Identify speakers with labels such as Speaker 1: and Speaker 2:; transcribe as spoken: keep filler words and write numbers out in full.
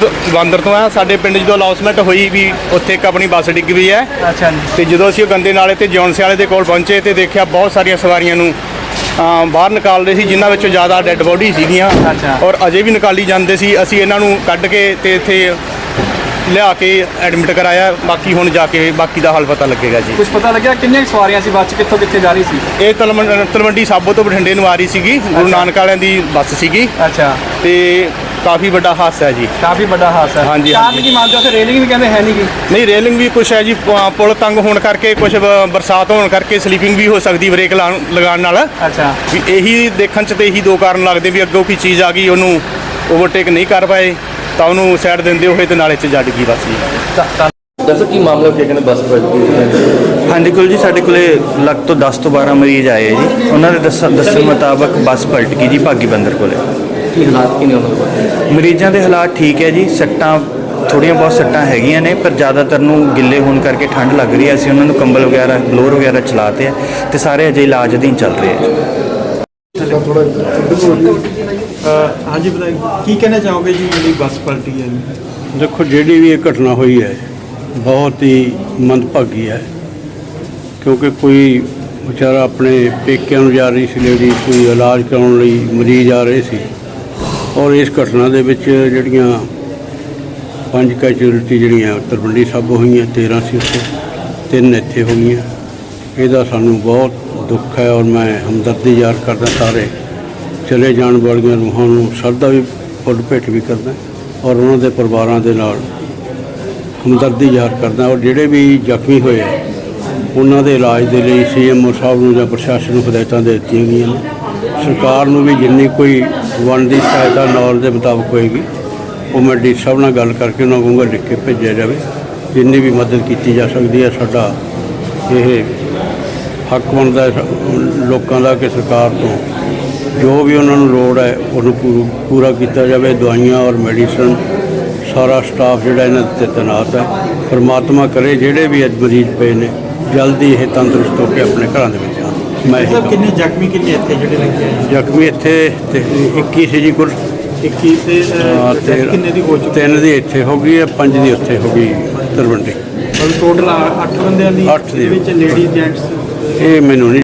Speaker 1: ਬਾਂਦਰ ਤੋਂ ਆ। ਸਾਡੇ ਪਿੰਡ ਜਦੋਂ ਅਨਾਉਂਸਮੈਂਟ ਹੋਈ ਵੀ ਉੱਥੇ ਇੱਕ ਆਪਣੀ ਬੱਸ ਡਿੱਗ ਪਈ ਹੈ।
Speaker 2: ਅੱਛਾ ਜੀ।
Speaker 1: ਤੇ ਜਦੋਂ ਅਸੀਂ ਉਹ ਗੰਦੇ ਨਾਲੇ ਤੇ ਜੌਨਸੇ ਵਾਲੇ ਦੇ ਕੋਲ ਪਹੁੰਚੇ ਤੇ ਦੇਖਿਆ ਬਹੁਤ ਸਾਰੀਆਂ ਸਵਾਰੀਆਂ ਨੂੰ ਬਾਹਰ ਨਿਕਾਲ ਰਹੇ ਸੀ, ਜਿਨ੍ਹਾਂ ਵਿੱਚੋਂ ਜ਼ਿਆਦਾ ਡੈੱਡ ਬੋਡੀ ਸੀਗੀਆਂ ਔਰ ਅਜੇ ਵੀ ਨਿਕਾਲੀ ਜਾਂਦੇ ਸੀ। ਅਸੀਂ ਇਹਨਾਂ ਨੂੰ ਕੱਢ ਕੇ ਤੇ ਇੱਥੇ ਲਿਆ ਕੇ ਐਡਮਿਟ ਕਰਾਇਆ। ਬਾਕੀ ਹੁਣ ਜਾ ਕੇ ਬਾਕੀ ਦਾ ਹਾਲ ਪਤਾ ਲੱਗੇਗਾ ਜੀ।
Speaker 2: ਕੁਝ ਪਤਾ ਲੱਗਿਆ ਕਿੰਨੀਆਂ ਸਵਾਰੀਆਂ ਸੀ ਬੱਸ 'ਚ, ਕਿੱਥੋਂ ਕਿੱਥੇ ਜਾ ਰਹੀ ਸੀ?
Speaker 1: ਇਹ ਤਲਵੰਡੀ ਤਲਵੰਡੀ ਸਾਬੋ ਤੋਂ ਬਠਿੰਡੇ ਨੂੰ ਆ ਰਹੀ ਸੀਗੀ, ਗੁਰੂ ਨਾਨਕ ਵਾਲਿਆਂ ਦੀ ਬੱਸ ਸੀਗੀ।
Speaker 2: ਅੱਛਾ।
Speaker 1: ਤੇ ਕਾਫੀ ਵੱਡਾ ਹਾਦਸਾ ਹੈ ਜੀ।
Speaker 2: ਕਾਫੀ ਵੱਡਾ ਹਾਦਸਾ।
Speaker 1: ਹਾਂਜੀ।
Speaker 2: ਕਾਰਨ ਕੀ ਮੰਨਦੇ ਹੋ? ਉੱਥੇ ਰੇਲਿੰਗ ਵੀ ਕਹਿੰਦੇ ਹੈ ਨਹੀਂ ਗੀ।
Speaker 1: ਨਹੀਂ, ਰੇਲਿੰਗ ਵੀ ਕੁਛ ਹੈ ਜੀ, ਪੁਲ ਤੰਗ ਹੋਣ ਕਰਕੇ, ਕੁਛ ਬਰਸਾਤ ਹੋਣ ਕਰਕੇ ਸਲੀਪਿੰਗ ਵੀ ਹੋ ਸਕਦੀ ਬ੍ਰੇਕ ਲਗਾਉਣ ਨਾਲ।
Speaker 2: ਅੱਛਾ। ਵੀ
Speaker 1: ਇਹੀ ਦੇਖਣ 'ਚ ਤੇ ਇਹੀ ਦੋ ਕਾਰਨ ਲੱਗਦੇ ਵੀ ਅੱਗੋਂ ਕੋਈ ਚੀਜ਼ ਆ ਗਈ, ਉਹਨੂੰ ਓਵਰਟੇਕ ਨਹੀਂ ਕਰ ਪਾਏ ਤਾਂ ਉਹਨੂੰ ਸਾਈਡ ਦਿੰਦੇ ਹੋਏ ਤੇ ਨਾਲੇ 'ਚ ਜੱਟ ਗਈ ਬੱਸ ਜੀ।
Speaker 3: ਦੱਸੋ ਕੀ ਮਾਮਲਾ ਕੀ ਕਹਿੰਦੇ ਬੱਸ ਪਲਟੀ?
Speaker 4: ਹਾਂਜੀ ਕੋਲ ਜੀ, ਸਾਡੇ ਕੋਲੇ ਲੱਖ ਤੋਂ ਦਸ ਤੋਂ ਬਾਰਾਂ ਮਰੀਜ਼ ਆਏ ਹੈ ਜੀ। ਉਹਨਾਂ ਦੇ ਦੱਸਣ ਦੱਸਣ ਮੁਤਾਬਕ ਬੱਸ ਪਲਟ ਗਈ ਜੀ ਭਾਗੀ ਬੰਦਰ ਕੋਲੇ।
Speaker 3: ਕੀ ਹਾਲਾਤ ਕੀ ਨੇ ਉਹਨਾਂ ਦੇ?
Speaker 4: ਮਰੀਜ਼ਾਂ ਦੇ ਹਾਲਾਤ ਠੀਕ ਹੈ ਜੀ। ਸੱਟਾਂ ਥੋੜ੍ਹੀਆਂ ਬਹੁਤ ਸੱਟਾਂ ਹੈਗੀਆਂ ਨੇ, ਪਰ ਜ਼ਿਆਦਾਤਰ ਨੂੰ ਗਿੱਲੇ ਹੋਣ ਕਰਕੇ ਠੰਡ ਲੱਗ ਰਹੀ ਹੈ। ਅਸੀਂ ਉਹਨਾਂ ਨੂੰ ਕੰਬਲ ਵਗੈਰਾ ਬਲੋਰ ਵਗੈਰਾ ਚਲਾਤੇ ਆ ਤੇ ਸਾਰੇ ਅਜੇ ਇਲਾਜ ਅਧੀਨ ਚੱਲ ਰਹੇ ਆ।
Speaker 5: ਹਾਂਜੀ ਬਤਾਈਏ, ਕੀ ਕਹਿਣਾ ਚਾਹੋਗੇ ਜੀ ਜਿਹੜੀ ਬੱਸ ਪਲਟੀ ਹੈ?
Speaker 6: ਦੇਖੋ, ਜਿਹੜੀ ਵੀ ਇਹ ਘਟਨਾ ਹੋਈ ਹੈ ਬਹੁਤ ਹੀ ਮੰਦਭਾਗੀ ਹੈ, ਕਿਉਂਕਿ ਕੋਈ ਵਿਚਾਰਾ ਆਪਣੇ ਪੇਕਿਆਂ ਨੂੰ ਜਾ ਰਹੀ ਸੀ ਲੇਡੀ, ਕੋਈ ਇਲਾਜ ਕਰਾਉਣ ਲਈ ਮਰੀਜ਼ ਆ ਰਹੇ ਸੀ ਔਰ ਇਸ ਘਟਨਾ ਦੇ ਵਿੱਚ ਜਿਹੜੀਆਂ ਪੰਜ ਕੈਜੂਅਲਟੀ ਜਿਹੜੀਆਂ ਤਲਵੰਡੀ ਸਾਬੋ ਹੋਈਆਂ, ਤੇਰ੍ਹਾਂ ਸੀ ਉੱਥੇ, ਤਿੰਨ ਇੱਥੇ ਹੋ ਗਈਆਂ। ਇਹਦਾ ਸਾਨੂੰ ਬਹੁਤ ਦੁੱਖ ਹੈ ਔਰ ਮੈਂ ਹਮਦਰਦੀ ਜ਼ਾਹਰ ਕਰਦਾ ਸਾਰੇ ਚਲੇ ਜਾਣ ਵਾਲੀਆਂ ਰੂਹਾਂ ਨੂੰ ਸ਼ਰਧਾ ਵੀ ਫੁੱਲ ਭੇਟ ਵੀ ਕਰਦਾ ਔਰ ਉਹਨਾਂ ਦੇ ਪਰਿਵਾਰਾਂ ਦੇ ਨਾਲ ਹਮਦਰਦੀ ਜ਼ਾਹਰ ਕਰਦਾ। ਔਰ ਜਿਹੜੇ ਵੀ ਜ਼ਖਮੀ ਹੋਏ ਆ ਉਹਨਾਂ ਦੇ ਇਲਾਜ ਦੇ ਲਈ ਸੀ ਐਮ ਓ ਸਾਹਿਬ ਨੂੰ ਜਾਂ ਪ੍ਰਸ਼ਾਸਨ ਨੂੰ ਹਦਾਇਤਾਂ ਦੇ ਦਿੱਤੀਆਂ ਗਈਆਂ ਨੇ। ਸਰਕਾਰ ਨੂੰ ਵੀ ਜਿੰਨੀ ਕੋਈ ਬਣਦੀ ਸਹਾਇਤਾ ਨੌਲ ਦੇ ਮੁਤਾਬਕ ਹੋਏਗੀ ਉਹ ਮੈਂ ਡੀ ਸਾਹਿਬ ਨਾਲ ਗੱਲ ਕਰਕੇ ਉਹਨਾਂ ਕਹੂੰਗਾ ਲਿਖ ਕੇ ਭੇਜਿਆ ਜਾਵੇ। ਜਿੰਨੀ ਵੀ ਮਦਦ ਕੀਤੀ ਜਾ ਸਕਦੀ ਹੈ, ਸਾਡਾ ਇਹ ਹੱਕ ਬਣਦਾ ਲੋਕਾਂ ਦਾ ਕਿ ਸਰਕਾਰ ਤੋਂ ਜੋ ਵੀ ਉਹਨਾਂ ਨੂੰ ਲੋੜ ਹੈ ਉਹਨੂੰ ਪੂਰਾ ਕੀਤਾ ਜਾਵੇ। ਦਵਾਈਆਂ ਔਰ ਮੈਡੀਸਨ ਸਾਰਾ ਸਟਾਫ ਜਿਹੜਾ ਇਹਨਾਂ 'ਤੇ ਤੈਨਾਤ ਹੈ। ਪਰਮਾਤਮਾ ਕਰੇ ਜਿਹੜੇ ਵੀ ਅੱਜ ਮਰੀਜ਼ ਪਏ ਨੇ ਜਲਦੀ ਇਹ ਤੰਦਰੁਸਤ ਹੋ ਕੇ ਆਪਣੇ ਘਰਾਂ ਦੇ ਵਿੱਚ ਆਉਣ। ਮੈਂ
Speaker 5: ਸਰ ਕਿੰਨੇ ਜ਼ਖਮੀ ਕਿੰਨੇ ਇੱਥੇ ਜਿਹੜੇ ਲੱਗੇ ਆ?
Speaker 6: ਜ਼ਖਮੀ ਇੱਥੇ ਤੇ ਇੱਕੀ ਸੀ ਜੀ ਕੁੱਲ।
Speaker 5: ਇੱਕੀ ਤੇ ਕਿੰਨੇ ਦੀ ਹੋ ਚੁੱਕੀ?
Speaker 6: ਤਿੰਨ ਦੀ ਇੱਥੇ ਹੋ ਗਈ ਹੈ, ਪੰਜ ਦੀ ਉੱਥੇ ਹੋ ਗਈ ਤਲਵੰਡੀ।
Speaker 5: ਟੋਟਲ ਅੱਠ ਬੰਦਿਆਂ ਦੀ
Speaker 6: ਅੱਠ ਦੀ
Speaker 5: ਵਿੱਚ ਲੇਡੀ ਜੈਂਟਸ
Speaker 6: ਇਹ ਮੈਨੂੰ ਨਹੀਂ